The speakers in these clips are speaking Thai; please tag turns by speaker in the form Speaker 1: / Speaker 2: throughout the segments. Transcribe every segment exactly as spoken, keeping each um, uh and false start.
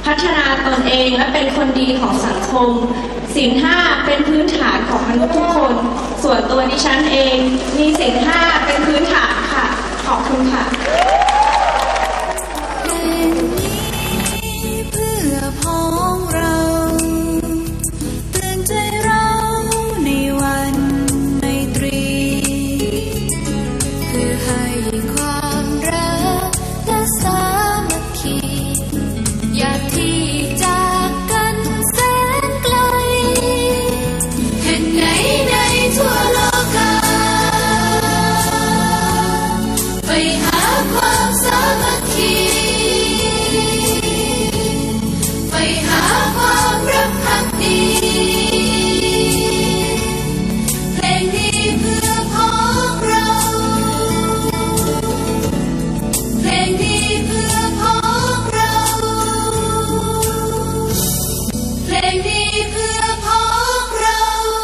Speaker 1: พัฒนาตนเองและเป็นคนดีของสังคมศีลห้าเป็นพื้นฐานของมนุษย์ทุกคนส่วนตัวดิฉันเองมีศีลห้าเป็นพื้นฐานค่ะขอบคุณค่ะ
Speaker 2: เพื่อพ้องเราเตือนใจเราในวันไมตรีเพื่อให้ความรักและสามัคคีอย่าที่จากกันแสนไกลแห่งไหนในทั่วโลกาไปหาความสามัคคีไปหาความรักพักดีเพลงนี้เพื่อพ้องเราเพลงนี้เพื่อพ้องเราเพลงนี้เพื่อพ้องเรา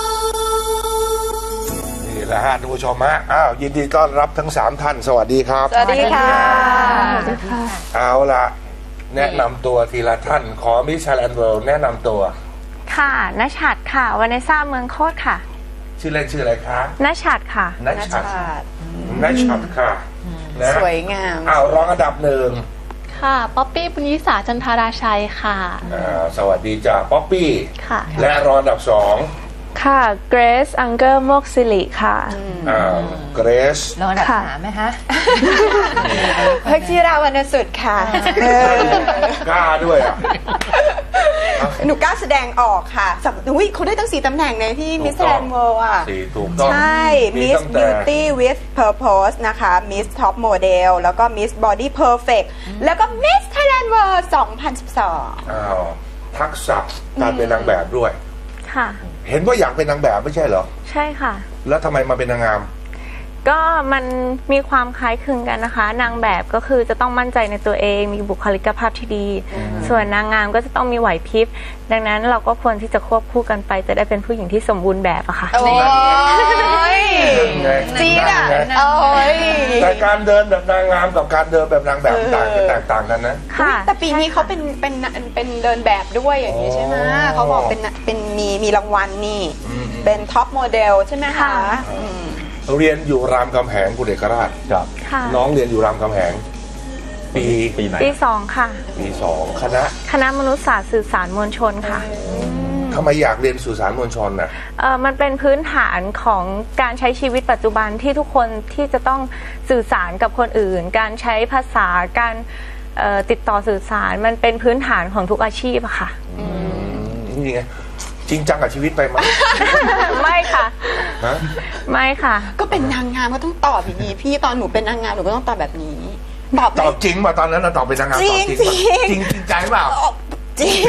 Speaker 3: นี่แหละฮะท่านผู้ชมฮะอ้าวยินดีต้อนรับทั้งสามท่านสวัสดีครับ
Speaker 4: สวัสดีค่ะ
Speaker 3: เอาละแนะนำตัวทีละท่านขอมิชชัลแอนด์เวิลด์แนะนำตัว
Speaker 4: ค่ะณชัดค่ะวานิซ่าเมืองโคตรค่ะ
Speaker 3: ชื่อเล่นชื่ออะไรคะ
Speaker 4: ณชัดค่ะ
Speaker 3: ณชัดณชัดค่ะ
Speaker 4: สวยงาม
Speaker 3: อ้าวรองอันดับหนึ่ง
Speaker 5: ค่ะป๊อปปี้ปุญญิสาจันทาราชัยค่ะ
Speaker 3: อ่าสวัสดีจ้าป๊อปปี้
Speaker 5: ค่ะ
Speaker 3: และรองอันดับสอง
Speaker 4: ค่ะเกรซอังเกอร์โมกสิริค่ะ
Speaker 3: อ่าเกรซ
Speaker 6: รองอันดับสามไหมคะ
Speaker 4: เพิกจิราวรรณสุดค่ะ
Speaker 3: กล้าด้วยอ่ะ
Speaker 4: หนูกล้าแสดงออกค่ะสักอุ้ยเขาได้ตั้งสี่ตำแหน่งในที่มิสแกรนด์เวิลด์อ่ะ
Speaker 3: สี่ถูกต้อง
Speaker 4: ใช่มิสบิวตี้วิธเพอร์โพสนะคะมิสท็อปโมเดลแล้วก็มิสบอดี้เพอร์เฟกต์แล้วก็มิสไทยแลนด์เวิลด์สองพันสิบสอง
Speaker 3: อ้าวทักษะการเป็นนางแบบด้วย
Speaker 4: ค่ะ
Speaker 3: เห็นว่าอยากเป็นนางแบบไม่ใช่เหรอ
Speaker 4: ใช่ค่ะ
Speaker 3: แล้วทำไมมาเป็นนางงาม
Speaker 4: ก็มันมีความคล้ายคลึงกันนะคะนางแบบก็คือจะต้องมั่นใจในตัวเองมีบุคลิกภาพที่ดีส่วนนางงามก็จะต้องมีไหวพริบดังนั้นเราก็ควรที่จะควบคู่กันไปจะได้เป็นผู้หญิงที่สมบูรณ์แบบอะค่ะ
Speaker 3: โอ้ย
Speaker 4: จีดอะโอ้ย
Speaker 3: แต่การเดินแบบนางงามกับการเดินแบบนางแบบต่างกันแตกต่างกันนะ
Speaker 4: ค่ะแต่ปีนี้เขาเป็นเป็นเป็นเดินแบบด้วยอย่างนี้ใช่ไหมเขาบอกเป็นเป็นมีมีรางวัลนี่เป็นท็อปโมเดลใช่ไหมคะ
Speaker 3: เรียนอยู่รามคำแหงคุณเอกราชครับน้องเรียนอยู่รามคำแหงปี
Speaker 4: ปีไหนปีสองค่ะ
Speaker 3: ปีสองคณะ
Speaker 4: คณะมนุษยศาสตร์สื่อสารมวลชนค่ะ
Speaker 3: ทำไมอยากเรียนสื่อสารมวลชนน่ะ
Speaker 4: เออมันเป็นพื้นฐานของการใช้ชีวิตปัจจุบันที่ทุกคนที่จะต้องสื่อสารกับคนอื่นการใช้ภาษาการติดต่อสื่อสารมันเป็นพื้นฐานของทุกอาชีพอะค่ะ
Speaker 3: นี่ไงจริงจังกับชีวิตไปไหม
Speaker 4: ไม่ค่ะไม่ค่ะ
Speaker 7: ก็เป็นนางงามก็ต้องตอบอย่างนี้พี่ตอนหนูเป็นนางงามหนูก็ต้องตอบแบบนี้
Speaker 3: ตอบตอบจริงป่ะตอนนั้นเราตอบเป็นนางงามตอบจริงจริงจริงใจเปล่า
Speaker 7: จริง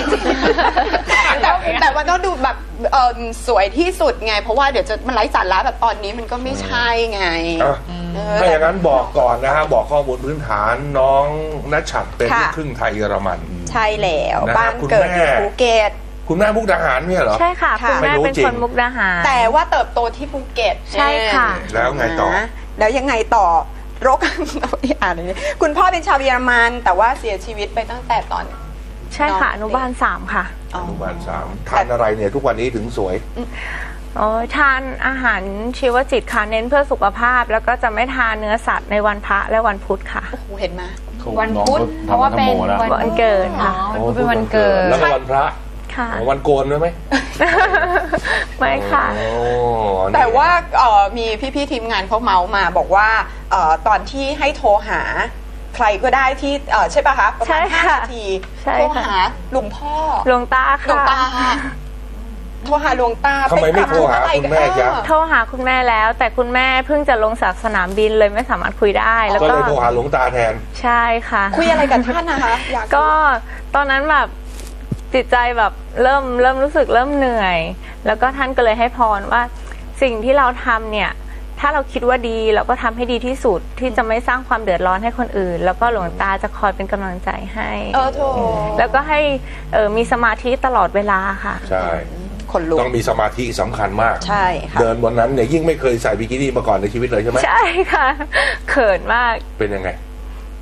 Speaker 7: แต่ว่าต้องดูแบบสวยที่สุดไงเพราะว่าเดี๋ยวจะมันไร้สาระแบบตอนนี้มันก็ไม่ใช่ไง
Speaker 3: ถ้าอย่างนั้นบอกก่อนนะฮะบอกข้อมูลพื้นฐานน้องณชัดเป็นลูกครึ่งไทยเยอรมัน
Speaker 7: ใช่แล้วบ้านเกิดที่ภูเก็ต
Speaker 3: คุณแม่มุกดาหารเนี่ยเหรอ
Speaker 4: ใช่ค่ะคุณแม่เป็นคนมุกดาหาร
Speaker 7: แต่ว่าเติบโตที่ภูเก็ต
Speaker 4: ใช่ค่ะ
Speaker 3: แล้วไงต่อ
Speaker 7: แล้วยังไงต่อรกอ่านเลยคุณพ่อเป็นชาวเยอรมันแต่ว่าเสียชีวิตไปตั้งแต่ตอน
Speaker 4: ใช่ค่ะอนุบาลสามค่ะ
Speaker 3: อนุบาลสามทานอะไรเนี่ยทุกวันนี้ถึงสวย
Speaker 4: อ๋อทานอาหารชีวจิตค่ะเน้นเพื่อสุขภาพแล้วก็จะไม่ทานเนื้อสัตว์ในวันพระและวันพุธค่ะ
Speaker 7: โอ้โหเห็นไหม
Speaker 5: วันพุธเพราะว่าเป็น
Speaker 4: วันเกิดค่ะ
Speaker 5: วันพุธเป็นวันเกิด
Speaker 3: แล้ววันพระวันโกนด้วยไหม
Speaker 4: ไม่ค่ะ
Speaker 7: แต่ว่ามีพี่ๆทีมงานเขาเมาส์มาบอกว่าตอนที่ให้โทรหาใครก็ได้ที่ใช่ป่ะคะประมาณห้านาทีโทรหาหลวงพ่อ
Speaker 4: หลวงตาค่ะ
Speaker 7: หลวงตาโทรหาหลวงตา
Speaker 3: ทำไมไม่โทรหาคุณแม่จ๊ะ
Speaker 4: โทรหาคุณแม่แล้วแต่คุณแม่เพิ่งจะลงจากสนามบินเลยไม่สามารถคุยได้
Speaker 3: แล้วก็เลยโทรหาหลวงตาแทน
Speaker 4: ใช่ค่ะ
Speaker 7: คุยอะไรกับท่านนะคะ
Speaker 4: ก็ตอนนั้นแบบจิตใจแบบเริ่มเริ่มรู้สึกเริ่มเหนื่อยแล้วก็ท่านก็เลยให้พรว่าสิ่งที่เราทำเนี่ยถ้าเราคิดว่าดีเราก็ทำให้ดีที่สุดที่จะไม่สร้างความเดือดร้อนให้คนอื่นแล้วก็หลวงตาจะคอยเป็นกำลังใจให้
Speaker 7: เออโธ่
Speaker 4: แล้วก็ให้มีสมาธิตลอดเวลาค่ะ
Speaker 3: ใช่ต้องมีสมาธิสำคัญมาก
Speaker 7: ใช่ค่ะ
Speaker 3: เดินบนนั้นเนี่ยยิ่งไม่เคยใส่บิกินี่มาก่อนในชีวิตเลยใช่ไหม
Speaker 4: ใช่ค่ะเขินมาก
Speaker 3: เป็นยังไง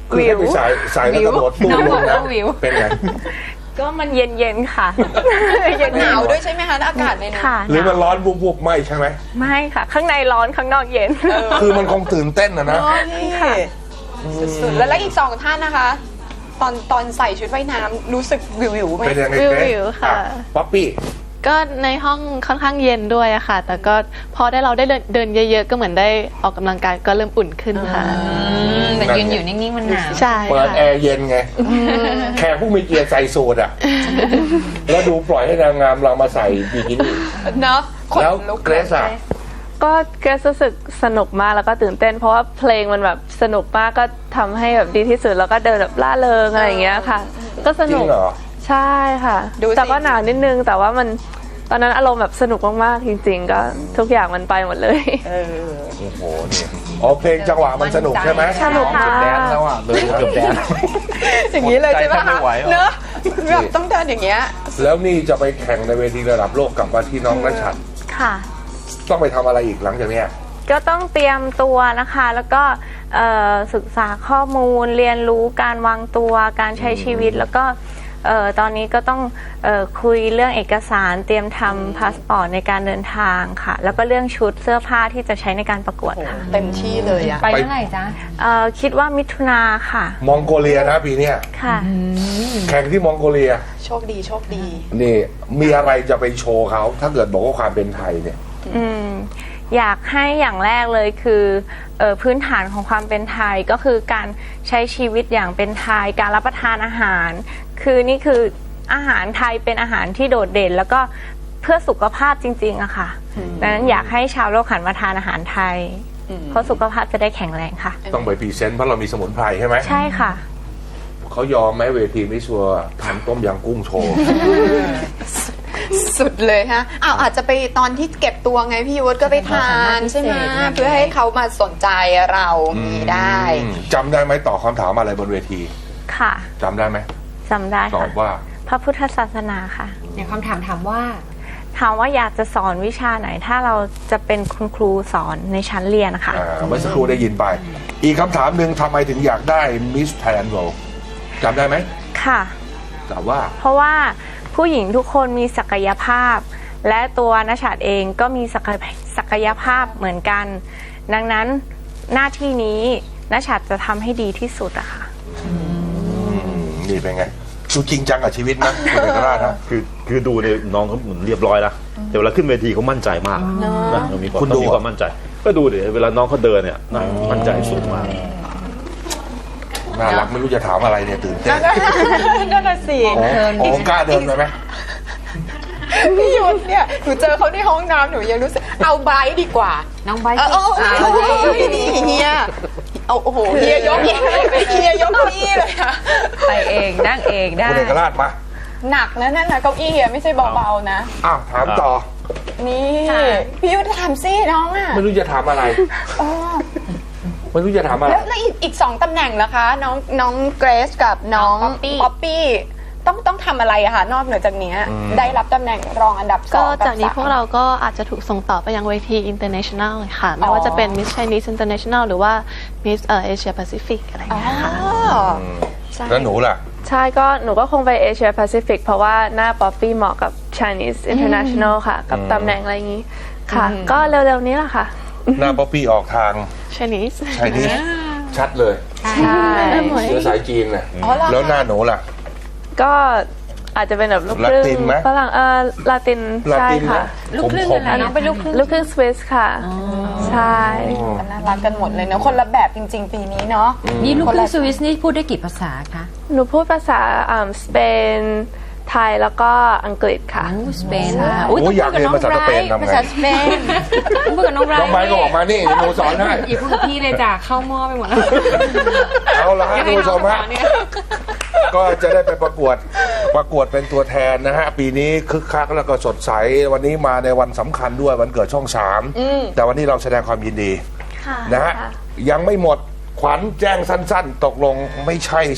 Speaker 3: คือให้ไปใส่ใส่แล้วกระโดดตู้
Speaker 5: น้อง
Speaker 3: ล
Speaker 5: บอก
Speaker 3: งนะ
Speaker 5: ว่าวิว
Speaker 3: เป็นไง
Speaker 4: ก็มันเย็นๆค่ะ เย็น
Speaker 7: หนาวด้วยใช่ไหมคะอากาศในนั้น
Speaker 4: ค่ะ
Speaker 3: หรือมันร้อนบุบๆไม่ใช่ไหม
Speaker 4: ไม่ค่ะ ข้างในร้อนข้างนอกเย็น
Speaker 3: คือมันคงตื่นเต้นนะนะ
Speaker 7: อ๋อนี่สุดๆแล้วแล้วอีกสองท่านนะคะ ตอนตอนใส่ชุดว่ายน้ำรู้สึกวิววิวๆไหม
Speaker 3: เป็นยังไง
Speaker 5: วิว
Speaker 3: เกรซ
Speaker 5: วิวค่ะ
Speaker 3: อ่ป๊อปปี้
Speaker 5: ก็ในห้องค่อนข้างเย็นด้วยอะค่ะ แต่ก็พอได้เราได้เดินเดินเยอะๆ ก็เหมือนได้ออกกำลังกายก็เริ่มอุ่นขึ้นค่ะ
Speaker 6: แต่ยืนอยู่นิ่งๆมันหนาว
Speaker 5: ใช่
Speaker 3: เปิด
Speaker 5: ค่ะ
Speaker 3: แอร์เย็นไง แขกผู้มีเกียรติใส่สูทอ่ะ แล้วดูปล่อยให้นางงามเรามาใส่บิกินี่
Speaker 7: เนาะขน
Speaker 3: แล้ว
Speaker 7: ลุก
Speaker 3: เกรซอะ
Speaker 4: ก็เกรซรู้สึกสนุกมากแล้วก็ตื่นเต้น เพราะว่าเพลงมันแบบสนุกมากก็ทำให้แบบดีที่สุดแล้วก็เดินแบบล่าเริงอะไรอย่างเงี้ยค่ะ ก็ส
Speaker 3: จริ
Speaker 4: นุ
Speaker 3: ง
Speaker 4: ก
Speaker 3: เหรอ
Speaker 4: ใช่ค่ะ
Speaker 7: ดูสิ
Speaker 4: แต่ก็หนาวนิดนึงแต่ว่ามันตอนนั้นอารมณ์แบบสนุกมากๆจริง ๆ ก็ทุกอย่างมันไปหมดเลย
Speaker 7: เออ
Speaker 3: โอ้โหนี่อ๋อเพลงจังหวะมันสนุกใช่ไหม
Speaker 4: สนุกค่ะ
Speaker 8: แดนแล้วอ่ะเดินเกือบแดน
Speaker 7: อย่างนี้เลยใช่ไหม
Speaker 8: ใจแทบไม่
Speaker 7: คะ
Speaker 8: ไหวหรอ
Speaker 7: เนอะแบบต้องเดินอย่างเงี้ย
Speaker 3: แล้วนี่จะไปแข่งในเวทีระดับโลกกลับมาที่น้องนัชชัด
Speaker 4: ค่ะ
Speaker 3: ต้องไปทำอะไรอีกหลังจากเนี้ย
Speaker 4: ก็ต้องเตรียมตัวนะคะ แล้วก็เอ่อศึกษาข้อมูลเรียนรู้การวางตัวการใช้ชีวิต แล้วก็เอ่อตอนนี้ก็ต้องเอ่อคุยเรื่องเอกสารเตรียมทำพาสปอร์ตในการเดินทางค่ะ แล้วก็เรื่องชุดเสื้อผ้าที่จะใช้ในการประกวดค่ะ
Speaker 7: เต็มที่เลยอะ
Speaker 6: ไปเมื่อไหร่จ๊ะ
Speaker 4: เอ่อคิดว่ามิถุนาค่ะ
Speaker 3: มองโกเลียนะปีเนี้ย
Speaker 4: ค่ะ
Speaker 3: แข่งที่มองโกเลีย
Speaker 7: โชคดีโชคดี
Speaker 3: นี่มีอะไรจะไปโชว์เขาถ้าเกิดบอกว่าความเป็นไทยเนี่ย
Speaker 4: อืมอยากให้อย่างแรกเลยคือเออพื้นฐานของความเป็นไทยก็คือการใช้ชีวิตอย่างเป็นไทยการรับประทานอาหาร คือนี่คืออาหารไทยเป็นอาหารที่โดดเด่น แล้วก็เพื่อสุขภาพจริงๆอะค่ะดังนั้นอยากให้ชาวโลกหันมาทานอาหารไทย เพราะสุขภาพจะได้แข็งแรงค่ะ
Speaker 3: ต้องไปพรีเซนต์เพราะเรามีสมุนไพรใช่ไหม
Speaker 4: ใช่ค่ะ
Speaker 3: เขายอมไหมเวทีมิสซัวทำต้มยำกุ้งโชว์
Speaker 7: สุดเลยฮะอ้าวอาจจะไปตอนที่เก็บตัวไงพี่ยุทธก็ไปทานใช่ไหมเพื่อให้เขามาสนใจเรามีได้
Speaker 3: อืมจำได้ไหมตอบคำถามอะไรบนเวที
Speaker 4: ค่ะ
Speaker 3: จำได้ไหม
Speaker 4: จำได้
Speaker 3: ตอ
Speaker 4: ค่ะ
Speaker 3: บว่า
Speaker 4: พระพุทธศาสนาค่ะ
Speaker 6: อย่างคำถามถามว่า
Speaker 4: ถามว่าอยากจะสอนวิชาไหน ถ้าเราจะเป็นคุณครูสอนในชั้นเรียนนะคะ
Speaker 3: อ่าเมื่อสักครู่ได้ยินไป อีกคำถามหนึ่งทำไมถึงอยากได้มิสไทยแลนด์โรจำได้ไหม
Speaker 4: ค่ะ
Speaker 3: ตอบว่า
Speaker 4: เพราะว่าผู้หญิงทุกคนมีศักยภาพ และตัวนัชชัดเองก็มีศักยศักยภาพเหมือนกัน ดังนั้นหน้าที่นี้นัชชัดจะทำให้ดีที่สุดอะค่ะ
Speaker 3: อืมนี่เป็นไงดูจริงจังกับชีวิตนะคุณเอกราชนะ
Speaker 8: คือคือดูเนี่ยน้องเขาเหมือนเรียบร้อยแล้วแต่เวลาขึ้นเวทีเขามั่นใจมากนะมีความ
Speaker 3: คุณ
Speaker 8: ต้
Speaker 3: ดู
Speaker 8: องมีความมั่นใจ ก็ดูดิเวลาน้องเขาเดินเนี่ยนะมั่นใจสูงมาก
Speaker 3: น่ารักไม่รู้จะถามอะไรเนี่ยตื่นเต้น
Speaker 7: นั่นน่ะสิ
Speaker 3: โอ้โอ้กล้าเดินไปไหม
Speaker 7: พี่ยุทธเนี่ยหนูเจอเขาในห้องน้ำหนูยังรู้สึกเอาไบร์ทดีกว่า
Speaker 6: น้องไบร์ท
Speaker 7: เออเออเออ
Speaker 6: เอา
Speaker 7: เออนี่เฮียเอาโอ้โหเฮียยกเฮียยกเก้าอี้เลยอะ
Speaker 6: ไปเองนั่งเองได้
Speaker 3: คุณเอกราชมา
Speaker 7: หนักนะนั่นนะเก้าอี้อะไม่ใช่เบาๆนะ
Speaker 3: อ้าวถามต่อ
Speaker 7: นี่พี่ยุทธถามซิน้องอะ
Speaker 3: ไม่รู้จะถามอะไร
Speaker 7: อ๋อ
Speaker 3: ไม่รู้จะถามอะไร
Speaker 7: แล้วแล้วอีกอีกสองตำแหน่งนะคะ น้องน้องเกรซกับน้อง
Speaker 5: ป๊อปปี้
Speaker 7: ป๊อปปี้ต้องต้องทำอะไรอะคะนอกเหนือจากเนี้ย
Speaker 3: อืม
Speaker 7: ได้รับตำแหน่งรองอันดับส
Speaker 5: ก็
Speaker 7: อง
Speaker 5: จากนี้
Speaker 7: บสม
Speaker 5: พวกเราก็อาจจะถูกส่งต่อไปยังเวที international เลยค่ะ ไม่ว่าจะเป็น Miss Chinese International หรือว่า Miss เอ่อ Asia Pacific อะไรอย่าง
Speaker 7: อ๋อ
Speaker 5: เงี้ยค่ะ
Speaker 7: ใช่
Speaker 3: แล้วหนูล่ะ
Speaker 4: ใช่ก็หนูก็คงไปเอเชียแปซิฟิกเพราะว่าหน้าป๊อปปี้เหมาะกับ Chinese International ค่ะ กับตำแหน่งอะไรอย่างนี้ค่ะ ก็เร็วๆนี้แหละค่ะ
Speaker 3: หน้าป๊อปปี้ออกทาง
Speaker 5: Chinese
Speaker 3: ไชนีสชัดเลย
Speaker 4: ใช่
Speaker 3: เชื้อสายจีนนะ
Speaker 7: อ๋อเหรอคะ
Speaker 3: แล้วหน้าหนูล่ะ
Speaker 4: ก็อาจจะเป็นแบบลูกครึ่
Speaker 3: ลาติ
Speaker 4: ง
Speaker 3: นไหม
Speaker 4: ฝรั่งเออลาติน
Speaker 3: ลา
Speaker 4: ใช่
Speaker 3: ติน
Speaker 4: ค่ะ
Speaker 6: ลูกครึ่ง
Speaker 3: ค
Speaker 6: อะ
Speaker 3: ม
Speaker 6: ไรน้องเป็นลูกครึ่ง
Speaker 4: ลูกครึ่งสวิสค่ะ ใช่
Speaker 7: น่ารักกันหมดเลยเนอะคนละแบบจริง ๆ ปีนี้เนาะ
Speaker 6: นี่ลูกครึ่งสวิสนี่พูดได้กี่ภาษาคะ
Speaker 4: หนูพูดภาษาอ่าสเปนไทยแล้วก็อังกฤษค่ะ
Speaker 6: โอ้สเปน
Speaker 4: ใช่
Speaker 6: ค่ะ
Speaker 3: โอ้ยอยากเรียนภาษาสเปนทำไง
Speaker 6: ภาษาสเปนต้องพูดกับน้องไบร
Speaker 3: น้องไบร์ทก็ออกมานี่หนูสอนให้
Speaker 6: อย่าพูดกับพี่เลยจ้ะเข้าหม้อไปหมดแล้ว
Speaker 3: เอาละฮะคุณผู้ชมฮะก็จะได้ไปประกวดประกวดเป็นตัวแทนนะฮะ ปีนี้คึกคักแล้วก็สดใส วันนี้มาในวันสำคัญด้วยวันเกิดช่องสามแต่วันนี้เราแสดงความยินดี
Speaker 4: ค่ะ
Speaker 3: นะฮะ
Speaker 4: ค่ะ
Speaker 3: ยังไม่หมดขวัญแจ้งสั้นๆ ตกลงไม่ใช่ใช่ไหม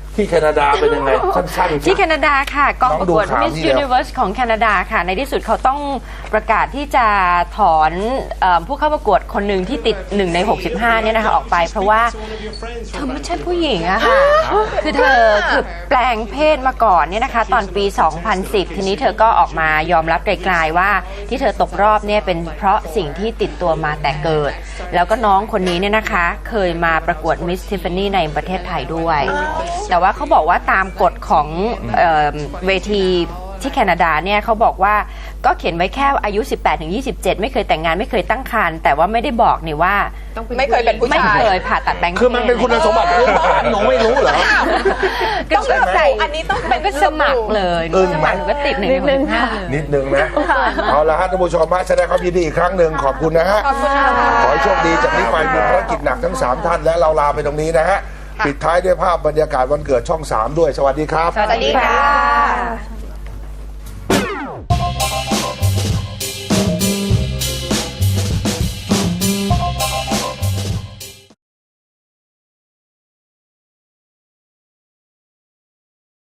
Speaker 3: ที่แคนาดาเป็นยังไงสั้นๆ
Speaker 6: ที่แคนาดาค่ะกองประกวด
Speaker 3: น้องดูข่าว
Speaker 6: Miss
Speaker 3: นี่แล้ว
Speaker 6: Universe ของแคนาดาค่ะ ในที่สุดเขาต้องประกาศที่จะถอนเออผู้เข้าประกวดคนหนึ่งที่ติดหนึ่งในหกสิบห้าเนี่ยนะคะออกไป เพราะว่าเธอไม่ใช่ผู้หญิงอะค่ะ คือเธอคือแปลงเพศมาก่อนเนี่ยนะคะตอนปี สองพันสิบ ทีนี้เธอก็ออกมายอมรับไกลๆว่าที่เธอตกรอบเนี่ยเป็นเพราะสิ่งที่ติดตัวมาแต่เกิด แล้วก็น้องคนนี้เนี่ยนะคะเคยมาประกวด Miss Tiffany ในประเทศไทยด้วย แต่ว่าเขาบอกว่าตามกฎของเอ่อเวทีที่แคนาดาเนี่ยเขาบอกว่าก็เขียนไว้แค่อายุ สิบแปดถึงยี่สิบเจ็ด ไม่เคยแต่งงานไม่เคยตั้งครรภ์แต่ว่าไม่ได้บอกนี่ว่า
Speaker 7: ไม่เคยเป็นผู้
Speaker 6: ไม่
Speaker 7: ชาย
Speaker 6: เคยผ่าตัดแปลงเพศ
Speaker 3: คือมันเป็นคุณสมบัติพื้นฐานหนูไม่รู้เหรอ
Speaker 7: ต้องระบุอันนี้ต้องเป็น
Speaker 6: ก็สมัครเลย
Speaker 3: อึ้ง
Speaker 6: ส
Speaker 3: ไหม
Speaker 6: มัครหนูก็ติดหนึ่งในหกสิบห้าเลย
Speaker 3: นิดนึงนะ เอาละฮะท่านผู้ชมมาแสดงความยินดีอีกครั้งหนึ่งขอบคุณนะฮะ
Speaker 7: ขอบคุณค่ะ
Speaker 3: ขอให้โชคดีจากนี้ไปมีภารกิจหนักทั้งสามท่านและเราลาไปตรงนี้นะฮะปิดท้ายด้วยภาพบรรยากาศวันเกิดช่องสามด้วยสวัสดีครับ
Speaker 6: สวัสดีค่ะ